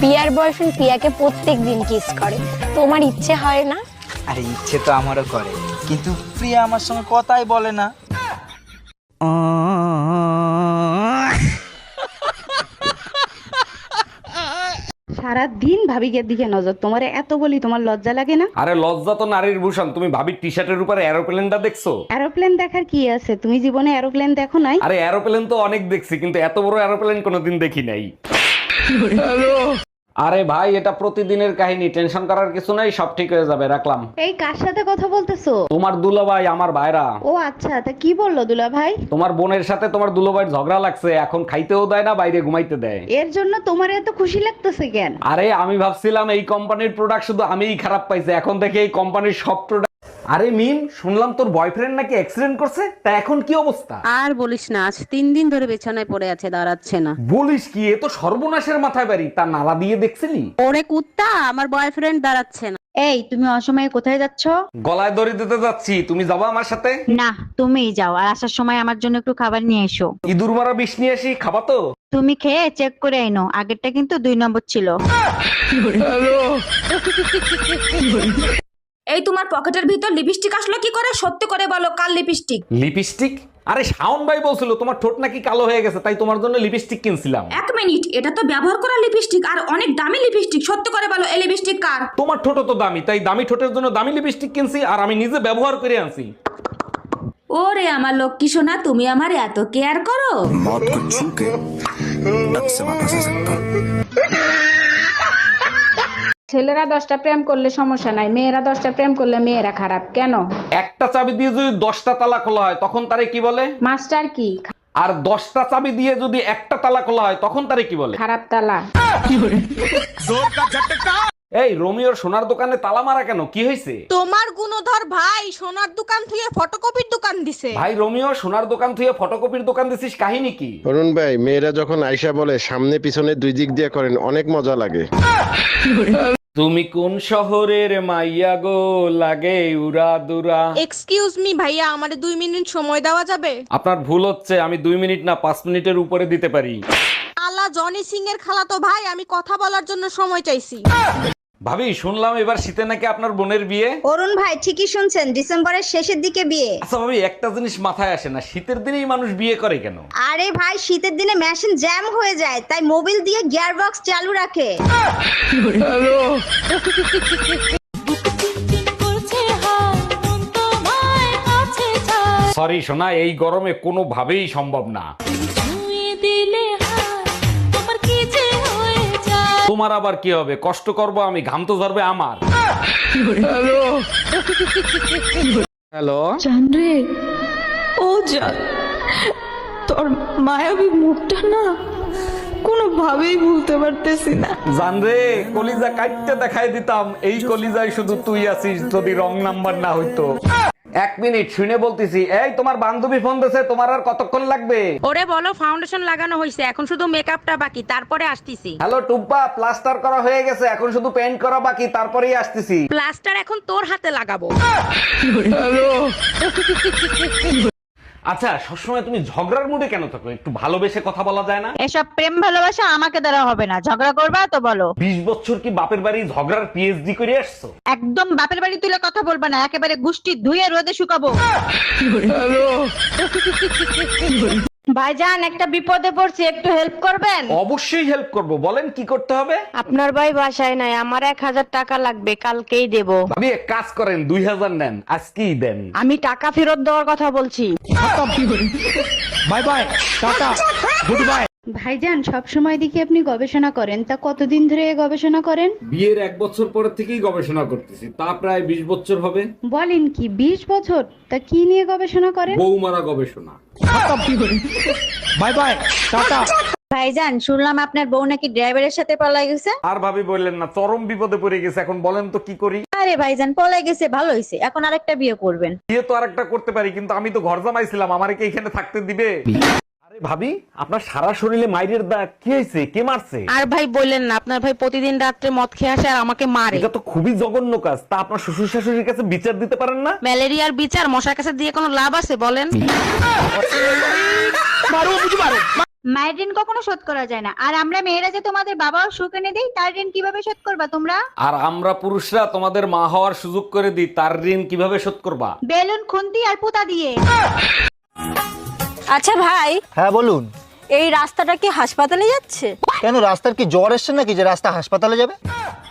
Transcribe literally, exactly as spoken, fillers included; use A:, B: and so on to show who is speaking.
A: Peer boyfriend পিয়াকে প্রত্যেকদিন kiss করে, তোমার ইচ্ছে হয় না?
B: আরে ইচ্ছে তো আমারও করে, কিন্তু প্রিয়া আমার সঙ্গে কথাই বলে না।
C: সারা দিন ভাবিকের দিকে নজর, তোমারে এত বলি তোমার লজ্জা লাগে না?
D: আরে লজ্জা তো নারীর ভূষণ। তুমি ভাবির টি শার্টের উপরে এরোপ্লেনটা দেখছো?
C: এরোপ্লেন দেখার কি আছে? তুমি জীবনে এরোপ্লেন দেখো নাই?
D: আরে এরোপ্লেন তো অনেক দেখছি, কিন্তু এত বড় এরোপ্লেন কোনোদিন দেখি নাই। আরে ভাই, এটা প্রতিদিনের কাহিনী, টেনশন করার কিছু নাই, সব ঠিক হয়ে যাবে, রাখলাম।
C: এই কার সাথে কথা বলতেছো?
D: তোমার দুলাভাই, আমার ভাইরা।
C: ও আচ্ছা, তা কি বললো দুলা ভাই?
D: তোমার বোনের সাথে তোমার দুলাভাইয়ের ঝগড়া লাগছে, এখন খাইতেও দেয় না, বাইরে ঘুমাইতে দেয়।
C: এর জন্য তোমার এত খুশি লাগতেছে কেন?
D: আরে আমি ভাবছিলাম এই কোম্পানির প্রোডাক্ট শুধু আমিই খারাপ পাইছি, এখন দেখে এই কোম্পানির সব প্রোডাক্ট। আরে মিম, শুনলাম তোর বয়ফ্রেন্ড নাকি অ্যাক্সিডেন্ট করছে, তা এখন কি অবস্থা?
E: আর বলিস না, আজ তিন দিন ধরে বিছানায় পড়ে আছে, দাঁড়াচ্ছে না।
D: বলিস কি, এ তো সর্বনাশের মাথায় বাড়ি। তা নালা দিয়ে দেখছিলি?
E: ওরে কুত্তা, আমার বয়ফ্রেন্ড দাঁড়াচ্ছে না।
C: এই তুমি অসময়ে কোথায় যাচ্ছ?
D: গলায় দড়ি দিতে যাচ্ছি, তুমি যাবা আমার সাথে?
C: না, তুমিই যাও, আর আসার সময় আমার জন্য একটু খাবার নিয়ে এসো।
D: ইঁদুর মারা বিষ নিয়ে আসি, খাবা তো?
C: তুমি খেয়ে চেক করে আইনো, আগেরটা কিন্তু দুই নম্বর ছিল।
F: এই তোমার পকেটের ভিতর লিপস্টিক আসলো কি করে? সত্যি করে বলো, কাল লিপস্টিক?
D: লিপস্টিক? আরে শাওন ভাই বলছিল তোমার ঠোঁট নাকি কালো হয়ে গেছে, তাই তোমার জন্য লিপস্টিক কিনছিলাম।
F: এক মিনিট, এটা তো ব্যবহার করা লিপস্টিক আর অনেক দামি লিপস্টিক। সত্যি করে বলো, এই লিপস্টিক কার?
D: তোমার ঠোঁট তো দামি, তাই দামি ঠোঁটের জন্য দামি লিপস্টিক কিনছি, আর আমি নিজে ব্যবহার করে আনছি।
F: ওরে আমার লক্ষ্মী সোনা, তুমি আমার এত কেয়ার করো।
G: मौत को छू के टक से वापस आ सकता हूँ।
C: ছেলেরা দশটা প্রেম করলে সমস্যা নাই, মেয়েরা দশটা প্রেম করলে মেয়েরা খারাপ কেন?
D: একটা চাবি দিয়ে যদি দশটা তালা খোলা হয়, তখন তারে কি বলে?
C: মাস্টার কি?
D: আর দশটা চাবি দিয়ে যদি একটা তালা খোলা হয়, তখন তারে কি বলে?
C: খারাপ তালা।
D: এই রোমিওর সোনার দোকানে তালা মারা কেন, কি হয়েছে?
H: তোমার গুণধর ভাই সোনার দোকান থেকে ফটোকপির দোকান দিছে।
D: ভাই রোমিও সোনার দোকান থেকে ফটোকপির দোকান দিছিস, কাহিনী কি?
I: অরুণ ভাই, মেয়েরা যখন আয়শা বলে সামনে পিছনে দুই দিক দিয়ে করেন, অনেক মজা লাগে।
D: তুমি কোন শহরের মাইয়া গো, লাগে উড়া দুরা।
H: এক্সকিউজ মি ভাইয়া, আমারে দুই মিনিট সময় দেওয়া যাবে?
D: আপনার ভুল হচ্ছে, আমি দুই মিনিট না পাঁচ মিনিটের উপরে দিতে পারি।
H: আলা জনি সিং এর খালাতো ভাই, আমি কথা বলার জন্য সময় চাইছি।
D: ভাবি, শুনলাম এবার শীতে নাকি আপনার বোনের বিয়ে।
J: অরুণ ভাই ঠিকই শুনছেন, ডিসেম্বরের শেষের দিকে বিয়ে।
D: আচ্ছা ভাবি, একটা জিনিস মাথায় আসে না, শীতের দিনেই মানুষ বিয়ে করে কেন?
J: আরে ভাই, শীতের দিনে মেশিন জ্যাম হয়ে যায়, তাই মোবিল দিয়ে গিয়ার বক্স চালু রাখে।
D: সরি সোনা, এই গরমে কোনোভাবেই সম্ভব না। তোমার আবার কি হবে? কষ্ট করব আমি, ঘাম তো ঝরবে আমার। হ্যালো
K: জান রে, ও জান, তোর মায়াবী মুখটা না কোনোভাবেই ভুলতে পারতেছি না।
D: জান রে, কলিজা কাটতে দেখাই দিতাম, এই কলিজায় শুধু তুই আছিস, যদি রং নাম্বার না হইতো। এক মিনিট, শুনে বলতেছি। এই তোমার বান্ধবী ফোন দিছে, তোমার আর কতক্ষণ লাগবে?
E: ওরে বলো ফাউন্ডেশন লাগানো হয়েছে, এখন শুধু মেকআপটা বাকি, তারপরে আসতেছি।
D: হ্যালো টুম্পা, প্লাস্টার করা হয়ে গেছে, এখন শুধু পেইন্ট করা বাকি, তারপরেই আসতেছি।
E: প্লাস্টার এখন তোর হাতে লাগাবো।
D: আচ্ছা, সবসময় তুমি ঝগড়ার মুডে কেন থাকো? একটু ভালোবেসে কথা বলা যায় না?
C: এসব প্রেম ভালোবাসা আমাকে দ্বারা হবে না, ঝগড়া করবা তো বলো।
D: বিশ বছর কি বাপের বাড়ি ঝগড়ার পিএইচডি করে আসছো?
C: একদম বাপের বাড়ি তুলে কথা বলবা না, একেবারে গুষ্টি ধুয়ে রোদে শুকাবো। ভাইজান, একটা বিপদে পড়ছি, একটু হেল্প করবেন?
D: অবশ্যই হেল্প করব, বলেন কি করতে হবে?
C: আপনার ভাই বাসায় নাই, আমার এক হাজার টাকা লাগবে, কালকেই দেব।
D: ভাবি এক কাজ করেন, দুই হাজার নেন, আজকেই দেন।
C: আমি টাকা ফেরত দেওয়ার কথা বলছি।
B: Bye bye, tata, goodbye.
C: ভাইজান, সব সময় দেখি আপনি গবেষণা করেন, তা কতদিন ধরে এ গবেষণা করেন?
D: বিয়ের এক বছর পরে থেকেই গবেষণা করতেছি, তা প্রায় বিশ বছর হবে।
C: বলেন কি, বিশ বছর? তা কি নিয়ে গবেষণা করেন?
D: বৌমারা গবেষণা।
B: Bye bye, tata.
J: ভাইজান, শুনলাম আপনার বউ নাকি ড্রাইভারের সাথে পলাই গেছে।
D: আর ভাবি বললেন না, চরম বিপদে পড়ে গেছে, এখন বলেন তো কি করি?
J: আরে ভাইজান, পলাই গেছে ভালো হয়েছে, এখন আরেকটা বিয়ে করবেন।
D: বিয়ে তো আরেকটা করতে পারি, কিন্তু আমি তো ঘর জামাইছিলাম, আমারে কি এখানে থাকতে দিবে? আরে ভাবি, আপনার সারা শরীরে মাইরের দাগ, কি হয়েছে? কে মারছে?
E: আর ভাই বললেন না, আপনার ভাই প্রতিদিন রাত্রে মদ খেয়ে আসে আর আমাকে মারে।
D: এটা তো খুবই জঘন্য কাজ, তা আপনার শ্বশুর শাশুড়ির কাছে বিচার দিতে পারেন না?
E: ম্যালেরিয়ার বিচার মশার কাছে দিয়ে কোনো লাভ আছে বলেন?
J: মায়ের ঋণ কখনো শোধ করা যায় না, আর আমরা মেয়েরা যে তোমাদের বাবার সুখ এনে দেই তার ঋণ কিভাবে শোধ করবা তোমরা?
D: আর আমরা পুরুষরা তোমাদের মা হওয়ার সুযোগ করে দিই, তার ঋণ কিভাবে শোধ করবা?
J: বেলুন খুন্তি আর পুতা দিয়ে।
A: আচ্ছা ভাই,
B: হ্যাঁ বলুন।
A: এই রাস্তাটা কি হাসপাতালে যাচ্ছে?
B: কেন, রাস্তার কি জ্বর এসছে নাকি যে রাস্তা হাসপাতালে যাবে?